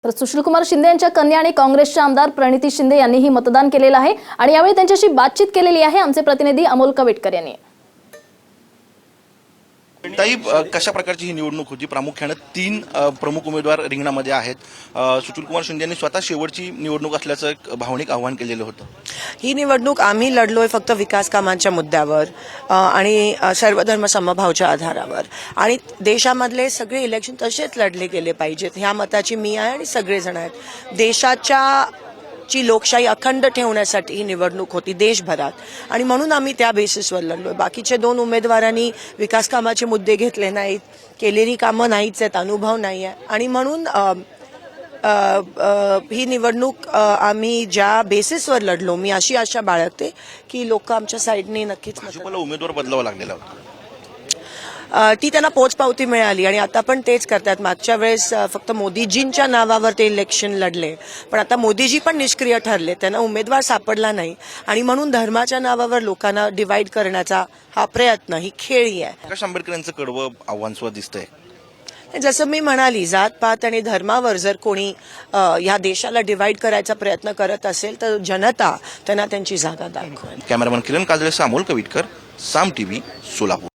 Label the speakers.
Speaker 1: तर सुशीलकुमार शिंदे यांच्या कन्या आणि काँग्रेसच्या आमदार प्रणिती शिंदे यांनीही मतदान केलेलं आहे आणि यावेळी त्यांच्याशी बातचीत केलेली आहे आमचे प्रतिनिधी अमोल कवेटकर यांनी।
Speaker 2: ताई, कशा प्रकारची ही निवडणूक होती? प्रामुख्याने 3 प्रमुख उमेदवार रिंगणामध्ये आहेत। सुशीलकुमार शिंदे यांनी स्वतः शेवटची निवडणूक असल्याचं एक भावनिक आव्हान केलेलं होतं।
Speaker 3: ही निवडणूक आम्ही लढलोय फक्त विकास कामांच्या मुद्द्यावर आणि सर्वधर्म समभावाच्या आधारावर, आणि देशामधले सगळे इलेक्शन तसेच लढले गेले पाहिजेत ह्या मताची मी आहे आणि सगळेजण आहेत। देशाच्या ची लोकशाही अखंड ठेवण्यासाठी ही निवडणूक होती देशभरात, आणि म्हणून आम्ही त्या बेसिसवर लढलोय। बाकीचे 2 उमेदवारांनी विकास कामाचे मुद्दे घेतले नाहीत, केलेली कामं नाहीच आहेत, अनुभव नाही आहे, आणि म्हणून ही निवडणूक आम्ही ज्या बेसिसवर लढलो मी अशी आशा बाळगते की लोक आमच्या साईडने नक्कीच
Speaker 2: भाजपला उमेदवार बदलावा लागलेला होता।
Speaker 3: ती त्यांना पोचपावती मिळाली आणि आता पण तेच करतात। मागच्या वेळेस फक्त मोदीजींच्या नावावर ते इलेक्शन लढले, पण आता मोदीजी पण निष्क्रिय ठरले, त्यांना उमेदवार सापडला नाही, आणि म्हणून धर्माच्या नावावर लोकांना डिवाइड करण्याचा हा प्रयत्न, ही खेळी आहे।
Speaker 2: प्रकाश आंबेडकर यांचं कडवं आव्हान सुद्धा दिसतंय।
Speaker 3: जसं मी म्हणाली, जात पात आणि धर्मावर जर कोणी या देशाला डिवाइड करायचा प्रयत्न करत असेल तर जनता त्यांना त्यांची जागा दाखवेल।
Speaker 2: कॅमेरामन किरण काजळेसह अमोल कवेटकर, साम टीव्ही, सोलापूर।